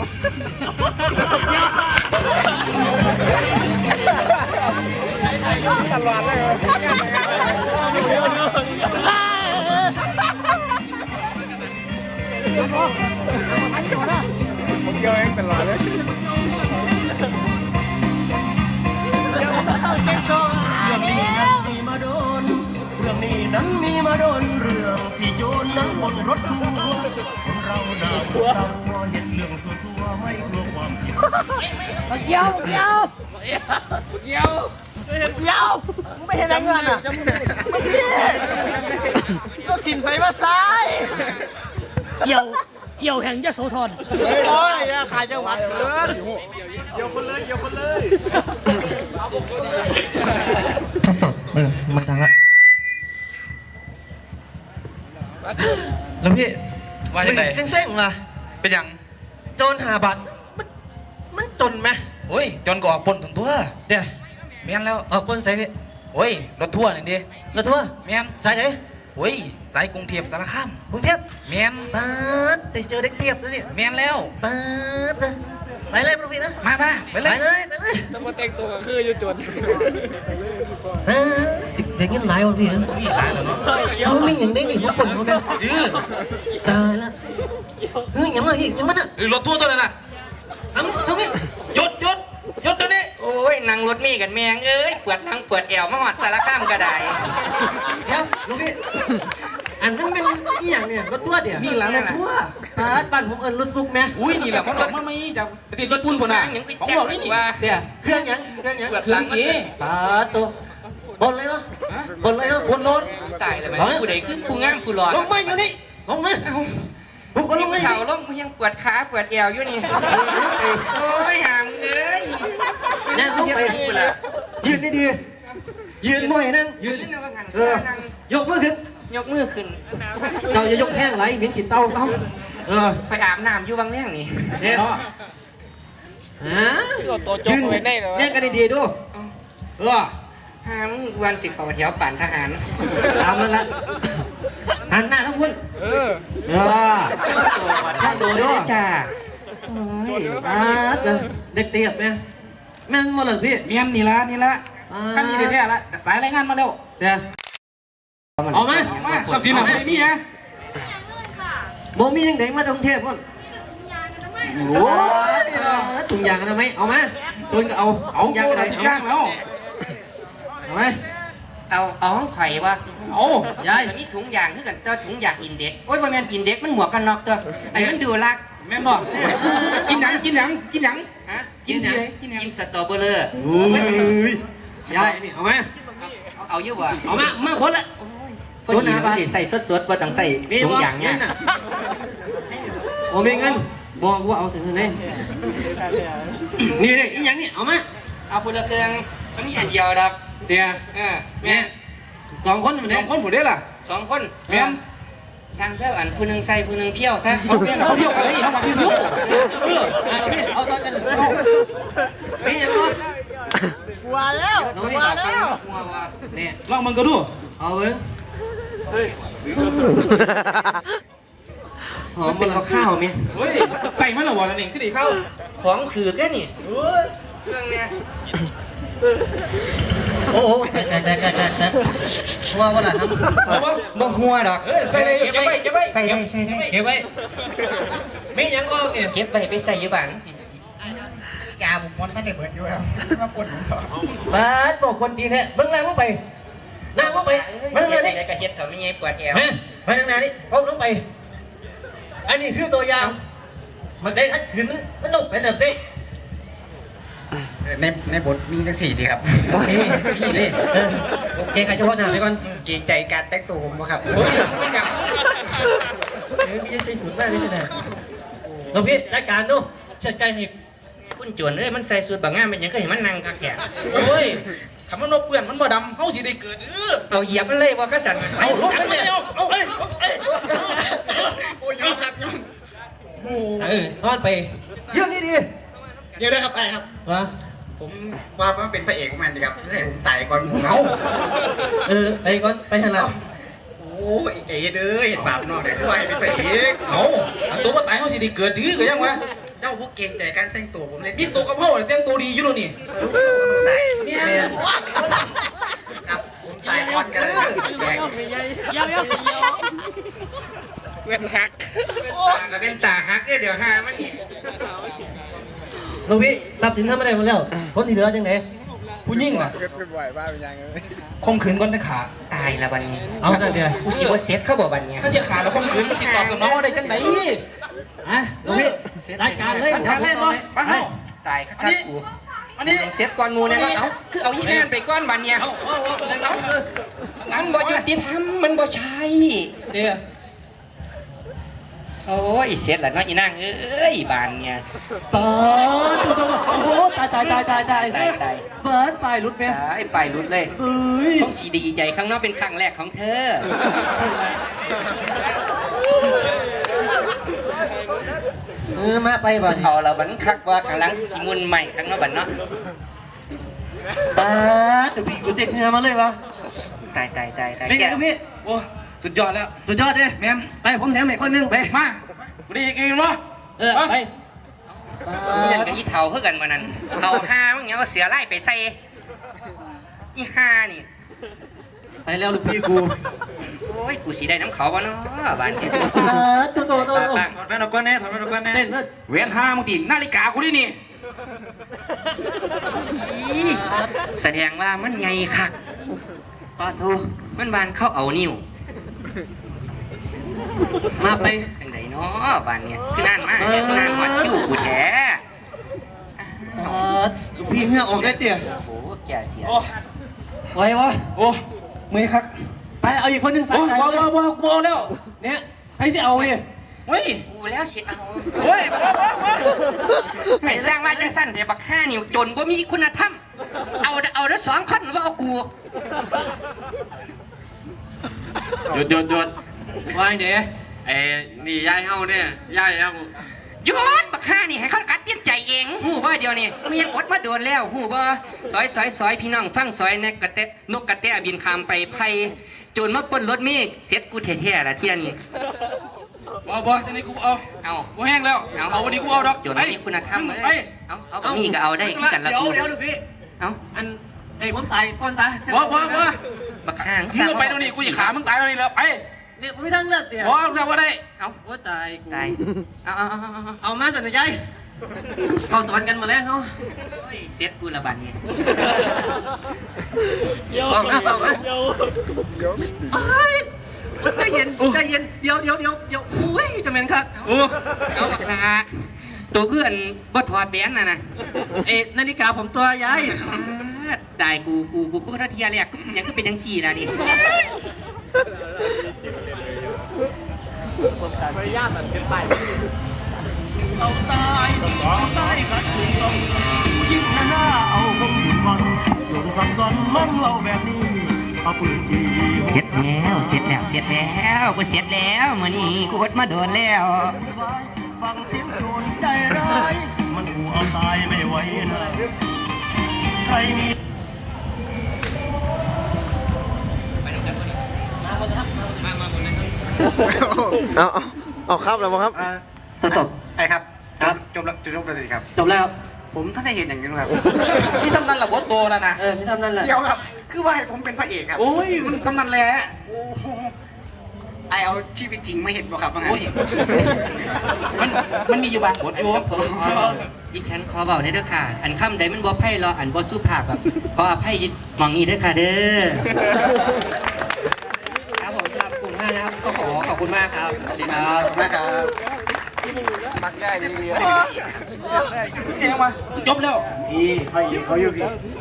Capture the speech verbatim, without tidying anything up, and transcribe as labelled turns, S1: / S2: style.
S1: ตลอดเลยผมเยอะเองตลอดเลย
S2: เรื่องนี้นั้นมีมาโดนเรื่องที่โยนนั้นบนรถทัวร์คนเราดาวเราเห็นเรื่องซัวๆไม่กลัวความผิด
S3: มาเกี่ยวเกี่ยวเกี่ยวเกี่ยวไม่เห็นอะไรเงินอ่ะก็กินไฟมาซ้ายเกี่ยวเกี่ยวแห่งยโสธรโอ้ยขายจังหวัดเสือเกี่ยวคนเลยเกี่ยวคนเลย
S4: ทดสอบเออมาทางละแล้วพี่ว่าจะไหนเส้งๆมาเป็นอย่างโจรหาบัตรมันมันจนไหมโอ้ยจนก็ออกปนถึงตัวเดี๋ยวเมียนแล้วออกปนใส่พี่โอ้ยรถทัวร์นี่ดิรถทัวร์เมียนสายไหนโอ้ยสายกรุงเทพสารคามกรุงเทพเมียนเปิดได้เจอเด็กเทียบแล้วนี่เมียนแล้วเปิดเลยไปเลยพวกพี่นะมามาไปเลยไปเลยไปเลย
S1: ต้องมาแต่งตัวคืออยู่จน
S4: เออเด็กยังหลายวะพี่นะหลายแล้วเนาะมันมีอย่างนี้นี่พวกคนเขาเนี่ยตายละเฮ้ยยังไงอีกยังมันอ่ะรถทัวร์ตัวนั้นอ่ะทำทำนี่หยุดหยุดหยุดตัวนี้
S5: โอ้ยนั่งรถมีกันแมงเอ้ยปวดหลังปวดแอวมาหอดสารข้ามกระได
S4: เดี๋ยวลูกพี่อันนั้นเป็นอีอย่างเนี่ยรถทัวร์เดี๋ยว
S5: นี่แหละรถทัวร์
S4: บ้านผมเอิญรถซุกไหม
S5: อุ้ยนี่แหละมันหลอกมันไม่จากประเทศญี่ปุ่นคนน่ะของบอกนี่นี่
S4: เดี๋ยวเครื่องยังเครื่องยัง
S5: เครื่องจี
S4: ปาตัวบนเลยเนาะบนเลยเนาะบนรถ
S5: ตายเลยไหมผู้ใดคือผู้งามผู้หล่อ
S4: ลงมาอยู่นี่ลงมาผู้คนลงมา
S5: เข่าล้มยังปวดขาปวดแอวอยู่นี่โอ้ยหามเอ้ย
S4: แน่ซุกไปยืนดีๆยืนหน่อยนั่งยืนเออยกมือขึ้น
S5: ยกมือขึ้น
S4: เราจะยกแห้งไหลเหมือนขีดเต้าเออ
S5: ไปอาบน้ำอยู่บางแห่งนี่
S4: เนี่ยฮะยืนเนี่ยกันดีๆดูเออ
S5: หามวันสิเขาแถวป่านทหาร
S4: ตามนั่นละหันหน้าทั้งคุณเออเออข้าตัวด้วย
S5: จ้า
S4: อ่าเด็กเตียบไหมแม่นมาเลยพี่
S5: เมียนนี่ละนี่ละขั้นนี้แท้ละสายรายงานมาแล้ว
S4: เดี๋ยวออกมา
S5: ขับสีหนักไม่มีฮะ
S4: โบมียังเด็กมาจากกรุงเทพก่อนโอ้ยถุงยางกันไหมเอามาตุนก็เอา
S5: เอายางอะไรยางแล้ว
S4: เอาไหม
S5: เอาเอาห้องไข่วะ
S4: โอ้ยาย
S5: มีถุงยางที่กันตัวถุงยางอินเด็กโอ้ยบางแมนอินเด็กมันหมวกกันน็อกตัวไอ้มันดูรัก
S4: แม่บอกกินหนังกินหนังกินหนัง
S5: ฮะกินอะไรกินสตรอเบอร์
S4: โอ้ยยายนี่เอาไหม
S5: เอาเยอะวะ
S4: เอามามาพ้นละ
S5: พอดีมันใส่สดๆว่าต้องใส่ถุงยางเนี่ย
S4: โอ้ไม่งั้นบอกว่าเอาถึงไหนนี่นี่อีหยังนี่เอามา
S5: เอาพลเครื่องมันมีอันเดียวดับ
S4: เดี๋ยว
S5: เออแม่
S4: สองคนเหมือนสองคนผมได้ล่ะ
S5: สองคนแม่สร้างเจ้าอันผู้หนึ่งใส่ผู้หนึ่งเที่ยวซะ
S4: เขาเที่ยวเขาเที่ยวอะไรเขาเที่ยวเออเอาพี่เอาตอนกันเอาพี่ยังไง
S3: วัวแล้ววัวแล้ว
S4: เนี่ยลองมันก็ดูเอาเว้ย
S5: หอมเป็นข้าวมั้ย
S4: เฮ้ยใส่มันหรอวะนั่นเองขึ้นดีข้าว
S5: ของถือแค่นี่เครื่องเนี้ย
S4: โอ้โหแต่แต่แต่แต่ว่าว่าอะไรครับ
S5: บ่หัวดอก
S4: ใส่เก็บไว้เก็บไว้
S5: ใส่ไว้ใส่ไว้
S4: เก็บไว้ไม่ยังก็เนี่ย
S5: เก็บไว้ไปใส่ยี่บ้านสิ
S3: กาบุกมันท่านได้เบิดอยู่แล้วมาปนผมต่อ
S4: มาบอกคนดีแท้เบิ่งแรงลงไปนั่งลงไปมาทางนี้
S5: ก็เฮ็ดเถอะไม่ใช่ปวดแอว
S4: มาทางนี้ก้มลงไปอันนี้คือตัวอย่างมันได้ทัดขืนมันต้องเป็นแบบนี้
S3: ในในบทมีทั้งสี่ดีครับ
S4: โอเคนี่โอเคใครเฉพาะหน้าไปก่อน
S3: เกรงใจการแต่งตัวผมครับ
S4: โอ้ยไม่หนักเฮ้ยมีใจสุดมากเลยนะเราพี่รายการดูเชิดใจหิบ
S5: คุณจวนเอ้ยมันใส่สูทบางงานเป็นยังก็เห็นมันนั่งกักแก่
S4: โอ้ยคำว่านกเปื่อนมันบ่ดำเฮาสิได้เกิดเออ
S5: เอาเหยียบมันเลยว่าก็สั่น
S4: เอาลงกันเลยเอาเอาเอ้ย
S3: โอ้ยยอมครับยอม
S4: โอ้เออนอนไปเรื่องนี้ดี
S3: เดี๋ยวได้ครับไอ้ครับ
S4: ว่า
S3: ผมว่ามันเป็นพระเอกของมันดีครับให้ผมตายก่อนผม
S4: เอาเออไปก่อนไปทางหลัง
S3: โอ้ยเจ๋เด้อเห็นบาปนอกเดี๋ยวคือว่าเป็นพระเอก
S4: เอาตัวว่าตายเขาสิได้เกิดดื้อก็ยังวะเจ้าพวกเก่งใจการแต่งตัวผมเลยมีตัวกระเพาะเต็มตัวดีอยู่แล้วนี่เนี่ยครับผมตายก่อนกันเลย
S3: เดี๋ยวเดี๋ยว
S1: เว้นหัก
S5: ก็เป็นตาฮักเดี๋ยวหามันนี่
S6: ลูกพี่ตัดสินทำไม่ได้หมดแล้วคนที่เหลือจังไหน
S4: ผู้ยิ่งอ่ะ
S1: เว้นไปบ่อยบ้าเป็นยังไง
S4: คมขืนก้นตะขา
S5: ตายละบัดนี้
S6: เอาจังเดียว
S5: กูสิว่าเซ็ตเข้าบ่บัดนี้
S4: ถ้าจะขาแล้วคมขืนติดต่อสนองได้จังไหน
S6: อ่ะลูกพี่รายการเลย
S4: รายการเล่นบ่มาเฮ้า
S5: ตายคักกู
S4: อันนี้
S5: เซ็ตก่อนหมูเนี่ยเนาะเอาคือเอาอีแม่นไปก้อนบัดเนี่ยเอามันบ่ยุติธรรมมันบ่ใช่
S6: เดี๋ยว
S5: โอ้ยเซ็ตละเนาะอีนางเอ้ยบานเนี่ย
S6: เปิดตัวตัวโอ้โหตายตายตายตายตาย
S5: ตายตาย
S6: เปิดไปรุดไหม
S5: ตายไปรุดเลย
S6: เฮ้ย
S5: ต้องสีดีใจข้างนอกเป็นครั้งแรกของเธอ
S6: เออมาไปบ่
S5: เอาละบันคักว่าข้างหลังสิมุนใหม่ข้างนอกบันเนาะ
S6: ปาดลูกพี่กูเสร็จเหงื่อมาเลยวะ
S5: ตายตายตายตาย
S6: เป็นไงลูกพี่
S4: โอ้สุดยอดแล้ว
S6: สุดยอดเลย
S4: แมน
S6: ไปผมแถมอีกคนนึงไป
S4: มาไม่ได้อีกเองวะ
S6: เออไป
S5: นี่นั่นกับอีเถาคือกันมานั่นเถาห้ามึงยังเอาเสือไล่ไปใส่อีห้านี่
S6: ไปแล้วลูกพี่กู
S5: โอ้ยกูสีได้น้ำเขาวะเนาะบ้านนี้
S6: เออตัวตัวตัว
S5: ป้า
S4: ถอดแว่นออกก่อนแน่ถอดแว่นออกก่อนแน่
S6: เต้นเลย
S4: เวียนห้ามึงตีนาฬิกากูดินี่
S5: อีแสดงว่ามันไงคัก
S6: ปาทู
S5: มันบานเข้าเอานิ้ว
S6: มาไป
S5: จังไดเนาะบ้านเนี่ยคือนานมากเนี่ยคือนานกว่าคิ้วกูแท้
S6: เออลูกพี่เหงื่อออกได้เตี่ย
S5: โอ้แก่เสีย
S4: โอ้
S6: ไหววะ
S4: โอ้มือครับ
S6: ไปเอาอีกคนนึงใส่
S4: โอ้
S6: ใจ
S4: ว้าว
S6: เลย
S4: ว้าวว้าวว้าวแล้ว
S6: เนี่ยให้สิเอาเนี่ย
S4: เฮ้ย
S5: กูแล้วเสียเอา
S4: เฮ้ยว้าวว้าวว้าว
S5: ไม่สร้างว่าจังสั้นแต่บักห้านิ้วจนบ่มีคุณธรรมเอาเอาแล้วสองคนว่าเอากู
S7: หยุดหยุดหยุด
S6: วางเดี๋ยว
S7: ไอ้นี่ยายเฮาเนี่ยยายเฮา
S5: หยุดบักห้านี่ให้เขากัดเตี้ยนใจเองหูบ่เดียวนี่มันยังอดมาโดนแล้วหูบ่ซอยซอยซอยพี่น้องฟังซอยแนกกระเตะนกกระเตะบินคามไปไผ่โจรมาปล้นรถเมฆเสร็จกูแท้ๆละเที่ยนี่
S4: เอาบ่จะนี่กูเอา
S5: เอา
S4: กูแห้งแล้วเอาวันนี้กูเอาดอก
S5: โจรมีคุณธรรมเอ้
S4: ไป
S5: ยเอาเอาบะหมี่ก็เอาได้คือกันละ
S6: เดี๋ยว
S5: กู
S6: เดี๋ยวลูกพี่
S5: เอา
S6: อันไอ้ผมตายก่อนตาย
S4: ว้าวว้าวว้าว
S5: บักห้า
S4: มึงไปตรงนี้กูจะขามึงตายตรงนี้แล้วไป
S6: เนี่ยผมไม่ทั้งเลือกเตี่ย
S4: ว้าวแล้วว่าได้
S5: เอา
S6: โอ้ตายกู
S5: ตายเอาเอาเอาเอา
S6: เอามาสันใจเขาสอนกันมาแล้วเขา
S5: โอ้ยเสร็จกูละบัดนี้
S6: ฟังนะฟังนะใจเย็นใจเย็นเดี๋ยวเดี๋ยวเดี๋ยวเดี๋ยวอุ้ยจะเป็นครับ
S4: โอ้
S5: เอาบักลาตัวเพื่อนบ่ถอดแบนน่ะนะ
S6: เอ๊ะนาฬิกาผมตัวย้าย
S5: ได้กูกูกูกูทัเทียแรกยังก็เป็นยังสี่นะนี่
S2: เอาตายที่ตายกัดถึงต้องยิ่งหน้าเอาคงถึงวันจนสับสนมันเล่าแบบนี้เอาปืนจี้
S5: เสร็จแล้วเสร็จแล้วเสร็จแล้วกูเสร็จแล้วมื้อนี้กูอดมาโดนแล้ว
S2: ฟังเสียงโจรใจร้ายมันกูเอาตายไม่ไหวนะใครมี
S1: เอาเอาเอาครับแล้วมั้งครับ
S6: ทดสอบ
S8: ไอ้ครับ
S6: ครับ
S8: จบแล้วจบแล้วสิครับ
S6: จบแล้ว
S8: ผมท่านได้เห็นอย่างนี้ครับ
S4: พี่สำนันหลับบดโตแล้วนะ
S6: เออพี่ทำนั่นแหละ
S8: เดี๋ยวครับ คือว่าให้ผมเป็นพระเอกครับ
S4: โอ้ยมันกำนันแหละ
S8: โอ้โหไอเอาชีวิตจริงไม่เห็นบ่ครับว่าไง
S4: โอ้ยมันมันมีอยู่บางบทอยู่
S5: ดิฉันขอเบาในอยเด้อค่ะ อันคำใดมันบ่ไพ่รออันบ่สุภาพแบบขออภัยหมองนี้เด้อค่ะเด้อ
S6: ครับผมครับขอบคุณมากนะครับก็ขอขอบคุณมากครับสวัสดีครับ
S8: นะครับ
S1: มักง่ายดี
S4: เองมาจบแล้ว
S8: พี่พระเอกเขาอยู่พี่